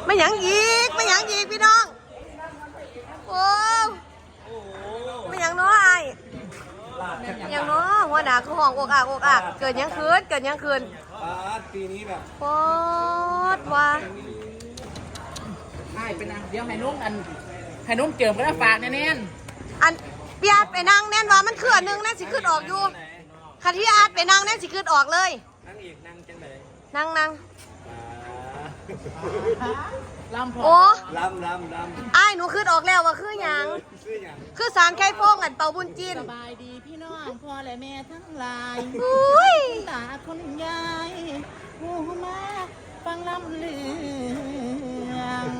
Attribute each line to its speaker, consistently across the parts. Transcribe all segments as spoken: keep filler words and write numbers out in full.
Speaker 1: ไม่หยังอีกไม่หยังอีกพี่น้องโอ้ไม่หยังน้อไอยังน้อหัวหน้าคือห้องอกอักอกอักเกิดยังคืนเกิดยังคืน
Speaker 2: ปีนี้แบบ
Speaker 1: โคตรว่า
Speaker 3: ใช่เป็นเดี๋ยวให้นุ่มอันให้นุ่มเจิมก็ได้ฝากแน่น
Speaker 1: อันพี่อาร์ตไปนั่งแน่นว่ามันคืออันนึงแน่สิขึ้นออกอยู่คันที่อาร์ตไปนั่งแน่สิขึ้นออกเลย
Speaker 2: นั่งอีกนั่งจังไหน
Speaker 1: นั่งนั่ง
Speaker 3: ลำพอ
Speaker 1: โอ้
Speaker 2: ลำลำลำ
Speaker 1: ไอ้หนูขึ้นออกแล้วว่าคือหยังคือสารไข่ฟงอันเป่าบุญจีน
Speaker 3: สบายดีพี่น้องพ่อและแม่ทั้งหลายตาคนยายหูมาฟังลำเลือง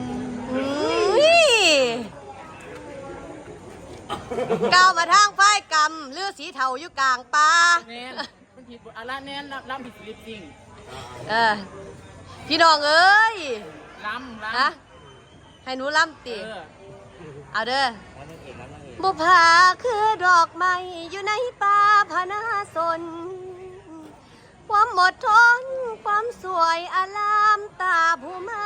Speaker 1: ก้าวมาทางไฟกำเลือสีเทาอยู่กลางป่า
Speaker 3: แน่นมันผิดอะไรแน่นลำผิดลิปจริง
Speaker 1: เออพี่น้องเอ้ย
Speaker 3: ลำลำ
Speaker 1: ฮะให้หนูลำตีเอาเด้อบุพาคือดอกไม้อยู่ในป่าพนาสนความอดทนความสวยอลามตาผู้มา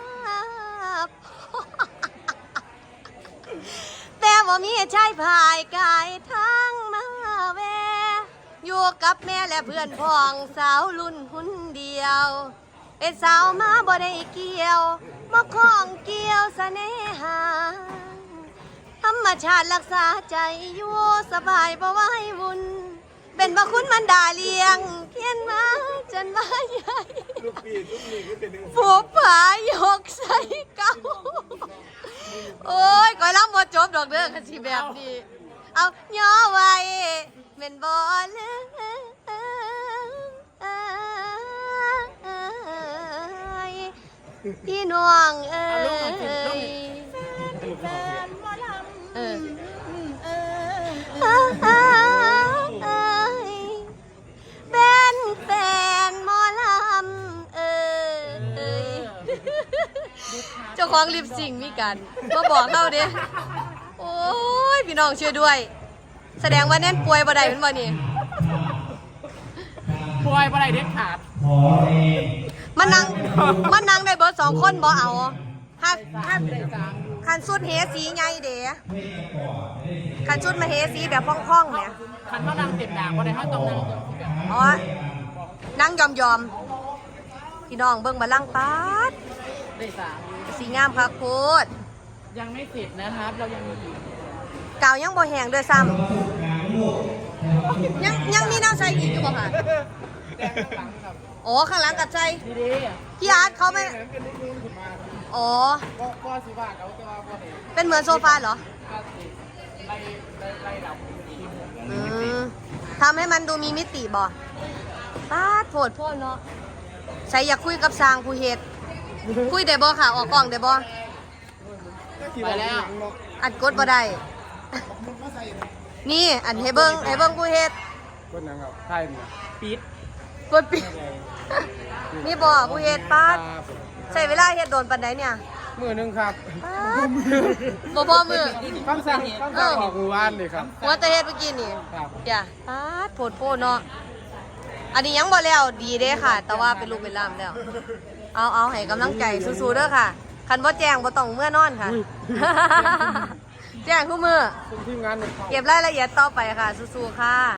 Speaker 1: แต่ว่ามีชายพายกายทั้งมาแวอยู่กับแม่และเพื่อนพ้องสาวรุ่นหุ่นเดียวเป็นสาวมาบ่ได้เกี่ยวมาคล้องเกี่ยวเสน่หาธรรมชาติรักษาใจอยู่สบายบ่ไหววุ่นเป็นพระคุณมันดาเลียงเขียนมาจนว่าใหญ่ผูกผายกใส่เก่าโอ้ยก่อยล้ำบ่จบดอกเด้อคันสิแบบนี้เอาย่อไว้เป็นบ่ลืมพี่น้องเอ้ยเออเป็นแฟนหมอลำเอ้ยเจ้าของลิปซิงมีกันมาบอกเขาดิโอ้ยพี่น้องช่วยด้วยแสดงว่าแน่นป่วยบ่ได้เป็นบ่นี่
Speaker 3: ป่วยบ่ได้เด็ดขาด
Speaker 1: มันนั่งมันนั่งได้เบิร์ดสองคนบ่เอาฮัดฮัดคันสุดเฮสีไงเด๋คันชุดมาเฮสีแบบพ่องๆเนี่ย
Speaker 3: คันเขานั่งเต็มด่างบ่ได้เขาต้องนั่ง
Speaker 1: อ๋อนั่งยอมยอมพี่น้องเบิ่งมาลังปัด
Speaker 3: ได้สาม
Speaker 1: สีงามค่ะโคตร
Speaker 3: ยังไม่เสร็จนะครับเรายังมีอีก
Speaker 1: กาวยังบ่แห้งด้วยซ้ำยังยังมีน้ำใส่อีกอยู่บ่ค่ะอ๋อข้างหลังกัดใจพี่อาร์ตเขาไม่อ๋อเป็นเหมือนโซฟาเหรอทำให้มันดูมีมิติบ่ป้าโผดโผดเนาะใส่อยากคุยกับสร้างผู้เฮ็ดคุยได้บ่ค่ะออกกล้องได้บ่
Speaker 3: ไปแล้ว
Speaker 1: อัดกดบ่ได้นี่อันให้เบิ้งให้เบิ้งผู้เฮ็ด
Speaker 2: กดยังครับใช่เนี่ย
Speaker 3: ปิด
Speaker 1: กดปิดนี่บ่ผู้เฮ็ดป้าใช้เวลาเฮ็ดโดนปานใดเนี่ย
Speaker 2: มือนึงครับ
Speaker 1: บ่บ่มือ
Speaker 2: คำสั่งคำสั่งออกมือว่านเลยครับ
Speaker 1: ว่าจะเฮ็ดเมื่อกี้นี่จ้ะป้าโผดโผเนาะอันนี้ยังบ่แล้วดีเด้ค่ะแต่ว่าเป็นลูกเป็นล่ามแล้วเอาเอาให้กำลังใจสู้ๆเด้อค่ะคันบ่แจ้งบ่ต้องเมื่อนอนค่ะแจ้งทุกมื้อเก็บรายละเอียดต่อไปค่ะสู้ๆค่ะ